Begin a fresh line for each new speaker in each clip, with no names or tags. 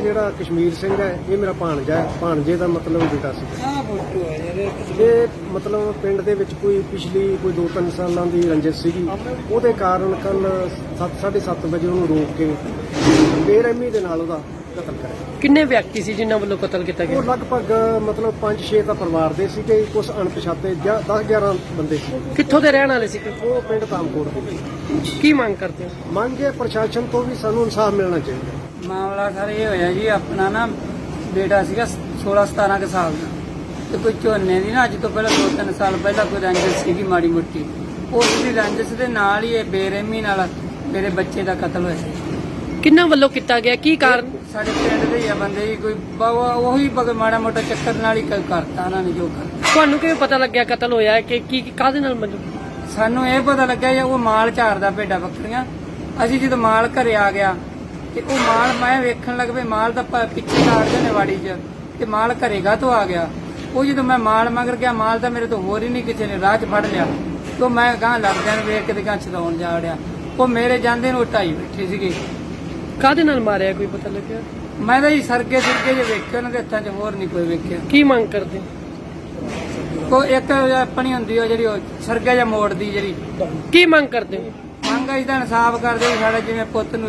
ਜਿਹੜਾ ਕਸ਼ਮੀਰ ਸਿੰਘ ਹੈ ਇਹ ਮੇਰਾ ਭਾਣਜਾ ਹੈ। ਭਾਣਜੇ ਦਾ ਮਤਲਬ ਬੇਟਾ ਸੀ। ਇਹ ਮਤਲਬ ਪਿੰਡ ਦੇ ਵਿੱਚ ਕੋਈ ਪਿਛਲੀ ਕੋਈ 2-3 ਸਾਲਾਂ ਦੀ ਰੰਜਿਸ਼ ਸੀਗੀ। ਉਹਦੇ ਕਾਰਨ ਕੱਲ 7:30 ਵਜੇ ਉਹਨੂੰ ਰੋਕ ਕੇ ਬੇਰਹਿਮੀ ਦੇ ਨਾਲ ਉਹਦਾ ਕਤਲ ਕਰਿਆ।
ਕਿੰਨੇ ਵਿਅਕਤੀ ਸੀ ਜਿਨ੍ਹਾਂ ਵੱਲੋਂ ਕਤਲ ਕੀਤਾ ਗਿਆ?
ਉਹ ਲਗਭਗ ਮਤਲਬ 5-6 ਤਾਂ ਪਰਿਵਾਰ ਦੇ ਸੀਗੇ, ਕੁਝ ਅਣਪਛਾਤੇ 10-11 ਬੰਦੇ ਸੀ।
ਕਿੱਥੋਂ ਦੇ ਰਹਿਣ ਵਾਲੇ ਸੀ?
ਉਹ ਪਿੰਡ ਤਾਮਕੋਟ ਦੇ।
ਕੀ ਮੰਗ ਕਰਦੇ ਹੋ?
ਮੰਗ ਹੈ ਪ੍ਰਸ਼ਾਸਨ ਤੋਂ ਵੀ ਸਾਨੂੰ ਇਨਸਾਫ ਮਿਲਣਾ ਚਾਹੀਦਾ।
ਮਾਮਲਾ ਸਰ ਇਹ ਹੋਇਆ ਜੀ, ਆਪਣਾ ਨਾ ਬੇਟਾ ਸੀਗਾ 16-17 ਕੁ ਸਾਲ ਦਾ, ਤੇ ਕੋਈ ਝੋਨੇ ਦੀ ਨਾ ਅੱਜ ਤੋਂ ਪਹਿਲਾਂ 2-3 ਸਾਲ ਪਹਿਲਾਂ ਕੋਈ ਰੰਜਿਸ਼ ਸੀਗੀ ਮਾੜੀ ਮੋਟੀ। ਉਸ ਦੀ ਰੰਜਿਸ਼ ਦੇ ਨਾਲ ਹੀ ਇਹ ਬੇਰਹਿਮੀ ਨਾਲ ਮੇਰੇ ਬੱਚੇ ਦਾ ਕਤਲ ਹੋਇਆ ਸੀ।
ਕਿੰਨਾਂ ਵੱਲੋਂ ਕੀਤਾ ਗਿਆ? ਕੀ ਕਾਰਨ?
ਸਾਡੇ ਪਿੰਡ ਦੇ ਹੀ ਆ ਬੰਦੇ ਜੀ, ਕੋਈ ਉਹੀ ਮਾੜਾ ਮੋਟਾ ਚੱਕਰ ਨਾਲ ਹੀ ਕਰਤਾ ਉਹਨਾਂ ਨੇ ਜੋ ਕਰਤਾ।
ਤੁਹਾਨੂੰ ਕਿਵੇਂ ਪਤਾ ਲੱਗਿਆ ਕਤਲ ਹੋਇਆ ਹੈ ਕਿ ਕੀ ਕਾਹਦੇ ਨਾਲ ਮਤਲਬ?
ਸਾਨੂੰ ਇਹ ਪਤਾ ਲੱਗਿਆ ਜੀ ਉਹ ਮਾਲ ਝਾੜਦਾ ਭੇਡਾਂ ਬੱਕਰੀਆਂ। ਅਸੀਂ ਜਦੋਂ ਮਾਲ ਘਰੇ ਆ ਗਿਆ ਤੇ ਉਹ ਮਾਲ ਮੈਂ ਵੇਖਣ ਲੱਗ ਪਈ, ਮਾਲ ਤਾਂ ਪਿੱਛੇ ਕਾੜਦੇ ਨੇ ਵਾੜੀ 'ਚ, ਤੇ ਮਾਲ ਘਰੇਗਾ ਤੋਂ ਆ ਗਿਆ। ਉਹ ਜਦੋਂ ਮੈਂ ਮਾਲ ਮਗਰ ਗਿਆ, ਮਾਲ ਤਾਂ ਮੇਰੇ ਤੋਂ ਹੋਰ ਹੀ ਨਹੀਂ ਕਿਸੇ ਨੇ ਰਾਹ 'ਚ ਫੜ ਲਿਆ। ਤੋਂ ਮੈਂ ਗਾਂ ਲੱਗਦਿਆਂ ਨੂੰ ਵੇਖ ਕੇ ਤੇ ਗਾਂ ਛਡਾਉਣ ਜਾ ਵੜਿਆ। ਉਹ ਮੇਰੇ ਜਾਂਦੇ ਨੂੰ ਢਾਈ ਬੈਠੇ ਸੀਗੇ।
ਕਾਹਦੇ ਨਾਲ ਮਾਰਿਆ ਕੋਈ ਪਤਾ ਲੱਗਿਆ?
ਮੈਂ ਤਾਂ ਜੀ ਸਰਗੇ ਜੇ ਵੇਖੇ ਉਹਨਾਂ ਦੇ ਹੱਥਾਂ 'ਚ, ਹੋਰ ਨਹੀਂ ਕੋਈ ਵੇਖਿਆ।
ਕੀ ਮੰਗ ਕਰਦੇ?
ਕੋਈ ਇੱਕ ਆਪਣੀ ਹੁੰਦੀ ਉਹ ਜਿਹੜੀ ਉਹ ਸਰਗਾ ਜਾਂ ਮੋੜਦੀ ਜਿਹੜੀ
ਕੀ ਮੰਗ ਕਰਦੇ?
ਮੰਗ ਅਸੀਂ ਤਾਂ ਇਨਸਾਫ ਕਰਦੇ ਵੀ ਸਾਡਾ ਜਿਵੇਂ ਪੁੱਤ ਨੂੰ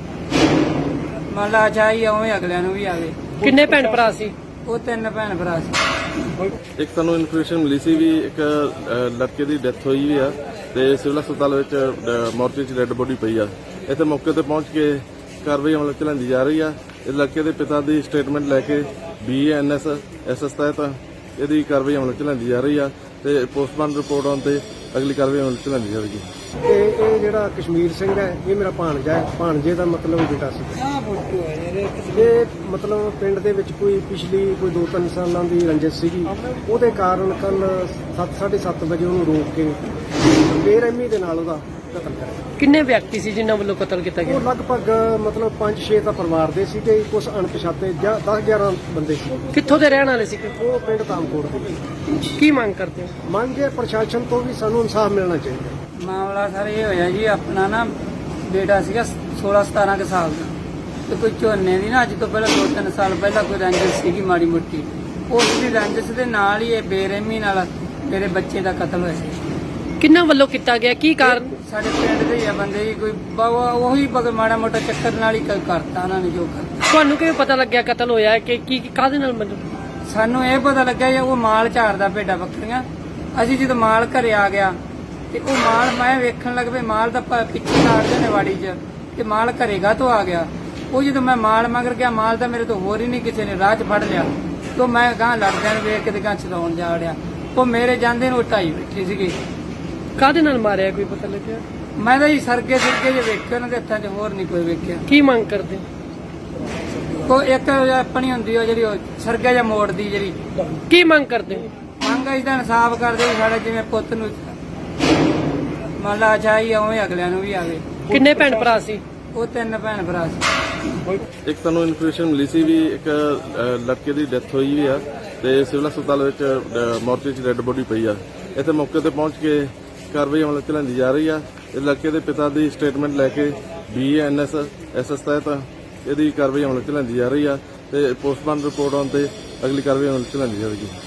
ਮੰਨ ਲਾ ਚਾਹੀ ਉਵੇਂ ਅਗਲਿਆਂ ਨੂੰ ਵੀ ਆਵੇ।
ਕਿੰਨੇ ਭੈਣ ਭਰਾ ਸੀ?
ਉਹ 3 ਭੈਣ ਭਰਾ ਸੀ।
ਇੱਕ ਸਾਨੂੰ ਇਨਫੋਰਮੇਸ਼ਨ ਮਿਲੀ ਸੀ ਵੀ ਇੱਕ ਲੜਕੇ ਦੀ ਡੈਥ ਹੋਈ ਵੀ ਆ ਤੇ ਸਿਵਲ ਹਸਪਤਾਲ ਵਿੱਚ ਮੋਰਚੇ 'ਚ ਡੈੱਡ ਬੋਡੀ ਪਈ ਆ। ਇੱਥੇ ਮੌਕੇ ਤੇ ਪਹੁੰਚ ਕੇ ਕਾਰਵਾਈ ਅਮਲ ਚ ਲਿਆਂਦੀ ਜਾ ਰਹੀ ਆ। ਇਸ ਲੜਕੇ ਦੇ ਪਿਤਾ ਦੀ ਸਟੇਟਮੈਂਟ ਲੈ ਕੇ BANS SS ਤਹਿਤ ਇਹਦੀ ਕਾਰਵਾਈ ਅਮਲ ਚ ਲਿਆਂਦੀ ਜਾ ਰਹੀ ਆ ਤੇ ਪੋਸਟਮਾਰਟਮ ਰਿਪੋਰਟ ਆਉਣ ਤੇ ਅਗਲੀ ਕਾਰਵਾਈ ਅਮਲ ਚ ਲਿਆਂਦੀ ਜਾਵੇਗੀ।
ਤੇ ਇਹ ਜਿਹੜਾ ਕਸ਼ਮੀਰ ਸਿੰਘ ਹੈ ਇਹ ਮੇਰਾ ਭਾਣਜਾ ਹੈ। ਭਾਣਜੇ ਦਾ ਮਤਲਬ ਬੇਟਾ ਸੀ। ਇਹ ਮਤਲਬ ਪਿੰਡ ਦੇ ਵਿੱਚ ਕੋਈ ਪਿਛਲੀ ਕੋਈ 2-3 ਸਾਲਾਂ ਦੀ ਰੰਜਿਸ਼ ਸੀਗੀ। ਉਹਦੇ ਕਾਰਨ ਕੱਲ 7:30 ਵਜੇ ਉਹਨੂੰ ਰੋਕ ਕੇ ਬੇਰਹਿਮੀ ਦੇ ਨਾਲ ਉਹਦਾ ਕਤਲ ਕਰਿਆ।
ਕਿੰਨੇ ਵਿਅਕਤੀ ਸੀ ਜਿਨ੍ਹਾਂ ਵੱਲੋਂ ਕਤਲ ਕੀਤਾ ਗਿਆ?
ਉਹ ਲਗਭਗ ਮਤਲਬ 5-6 ਤਾਂ ਪਰਿਵਾਰ ਦੇ ਸੀਗੇ, ਕੁਝ ਅਣਪਛਾਤੇ 10-11 ਬੰਦੇ ਸੀ।
ਕਿੱਥੋਂ ਦੇ ਰਹਿਣ ਵਾਲੇ ਸੀ?
ਉਹ ਪਿੰਡ ਤਾਮਕੋਟ ਦੇ।
ਕੀ ਮੰਗ ਕਰਦੇ ਹੋ?
ਮੰਗ ਹੈ ਪ੍ਰਸ਼ਾਸਨ ਤੋਂ ਵੀ ਸਾਨੂੰ ਇਨਸਾਫ ਮਿਲਣਾ ਚਾਹੀਦਾ।
ਮਾਮਲਾ ਸਰ ਇਹ ਹੋਇਆ ਜੀ, ਆਪਣਾ ਨਾ ਬੇਟਾ ਸੀਗਾ 16-17 ਕੁ ਸਾਲ ਦਾ, ਤੇ ਕੋਈ ਝੋਨੇ ਦੀ ਨਾ ਅੱਜ ਤੋਂ ਪਹਿਲਾਂ 2-3 ਸਾਲ ਪਹਿਲਾਂ ਕੋਈ ਰੰਜਿਸ਼ ਸੀਗੀ ਮਾੜੀ ਮੋਟੀ। ਉਸ ਦੀ ਰੰਜਿਸ਼ ਦੇ ਨਾਲ ਹੀ ਇਹ ਬੇਰਹਿਮੀ ਨਾਲ ਮੇਰੇ ਬੱਚੇ ਦਾ ਕਤਲ ਹੋਇਆ ਸੀ।
ਕਿੰਨਾਂ ਵੱਲੋਂ ਕੀਤਾ ਗਿਆ? ਕੀ ਕਾਰਨ?
ਸਾਡੇ ਪਿੰਡ ਦੇ ਹੀ ਆ ਬੰਦੇ ਜੀ, ਕੋਈ ਉਹੀ ਮਾੜਾ ਮੋਟਾ ਚੱਕਰ ਨਾਲ ਹੀ ਕਰਤਾ ਉਹਨਾਂ ਨੇ ਜੋ ਕਰਤਾ।
ਤੁਹਾਨੂੰ ਕਿਵੇਂ ਪਤਾ ਲੱਗਿਆ ਕਤਲ ਹੋਇਆ ਹੈ ਕਿ ਕੀ ਕਾਹਦੇ ਨਾਲ ਮਤਲਬ?
ਸਾਨੂੰ ਇਹ ਪਤਾ ਲੱਗਿਆ ਜੀ ਉਹ ਮਾਲ ਝਾੜਦਾ ਭੇਡਾਂ ਬੱਕਰੀਆਂ। ਅਸੀਂ ਜਦੋਂ ਮਾਲ ਘਰੇ ਆ ਗਿਆ ਤੇ ਉਹ ਮਾਲ ਮੈਂ ਵੇਖਣ ਲੱਗ ਪਈ, ਮਾਲ ਤਾਂ ਪਿੱਛੇ ਕਾੜਦੇ ਨੇ ਵਾੜੀ 'ਚ, ਤੇ ਮਾਲ ਘਰੇਗਾ ਤੋਂ ਆ ਗਿਆ। ਉਹ ਜਦੋਂ ਮੈਂ ਮਾਲ ਮਗਰ ਗਿਆ, ਮਾਲ ਤਾਂ ਮੇਰੇ ਤੋਂ ਹੋਰ ਹੀ ਨਹੀਂ ਕਿਸੇ ਨੇ ਰਾਹ 'ਚ ਫੜ ਲਿਆ। ਤੋਂ ਮੈਂ ਗਾਂ ਲੱਗਦਿਆਂ ਨੂੰ ਵੇਖ ਕੇ ਤੇ ਗਾਂ ਛਡਾਉਣ ਜਾ ਵੜਿਆ। ਉਹ ਮੇਰੇ ਜਾਂਦੇ ਨੂੰ ਢਾਈ ਬੈਠੇ ਸੀਗੇ।
ਕਾਹਦੇ ਨਾਲ ਮਾਰਿਆ ਕੋਈ ਪਤਾ ਲੱਗਿਆ?
ਮੈਂ ਤਾਂ ਜੀ ਸਰਗੇ ਜੇ ਵੇਖੇ ਉਹਨਾਂ ਦੇ ਹੱਥਾਂ 'ਚ, ਹੋਰ ਨਹੀਂ ਕੋਈ ਵੇਖਿਆ।
ਕੀ ਮੰਗ ਕਰਦੇ?
ਕੋਈ ਇੱਕ ਆਪਣੀ ਹੁੰਦੀ ਉਹ ਜਿਹੜੀ ਉਹ ਸਰਗਾ ਜਾਂ ਮੋੜਦੀ ਜਿਹੜੀ
ਕੀ ਮੰਗ ਕਰਦੇ?
ਮੰਗ ਅਸੀਂ ਤਾਂ ਇਨਸਾਫ ਕਰਦੇ ਵੀ ਸਾਡਾ ਜਿਵੇਂ ਪੁੱਤ ਨੂੰ ਮੰਨ ਲਾ ਚਾਹੀ ਉਵੇਂ ਅਗਲਿਆਂ ਨੂੰ ਵੀ ਆਵੇ।
ਕਿੰਨੇ ਭੈਣ ਭਰਾ ਸੀ?
ਉਹ 3 ਭੈਣ ਭਰਾ ਸੀ।
ਇੱਕ ਸਾਨੂੰ ਇਨਫੋਰਮੇਸ਼ਨ ਮਿਲੀ ਸੀ ਵੀ ਇੱਕ ਲੜਕੇ ਦੀ ਡੈਥ ਹੋਈ ਵੀ ਆ ਤੇ ਸਿਵਲ ਹਸਪਤਾਲ ਵਿੱਚ ਮੋਰਚੇ 'ਚ ਡੈੱਡ ਬੋਡੀ ਪਈ ਆ। ਇੱਥੇ ਮੌਕੇ ਤੇ ਪਹੁੰਚ ਕੇ ਕਾਰਵਾਈ ਅਮਲ ਚ ਲਿਆਂਦੀ ਜਾ ਰਹੀ ਆ। ਇਸ ਲੜਕੇ ਦੇ ਪਿਤਾ ਦੀ ਸਟੇਟਮੈਂਟ ਲੈ ਕੇ BANS SS ਤਹਿਤ ਇਹਦੀ ਕਾਰਵਾਈ ਅਮਲ ਚ ਲਿਆਂਦੀ ਜਾ ਰਹੀ ਆ ਤੇ ਪੋਸਟਮਾਰਟਮ ਰਿਪੋਰਟ ਆਉਣ ਤੇ ਅਗਲੀ ਕਾਰਵਾਈ ਅਮਲ ਚ ਲਿਆਂਦੀ ਜਾਵੇਗੀ।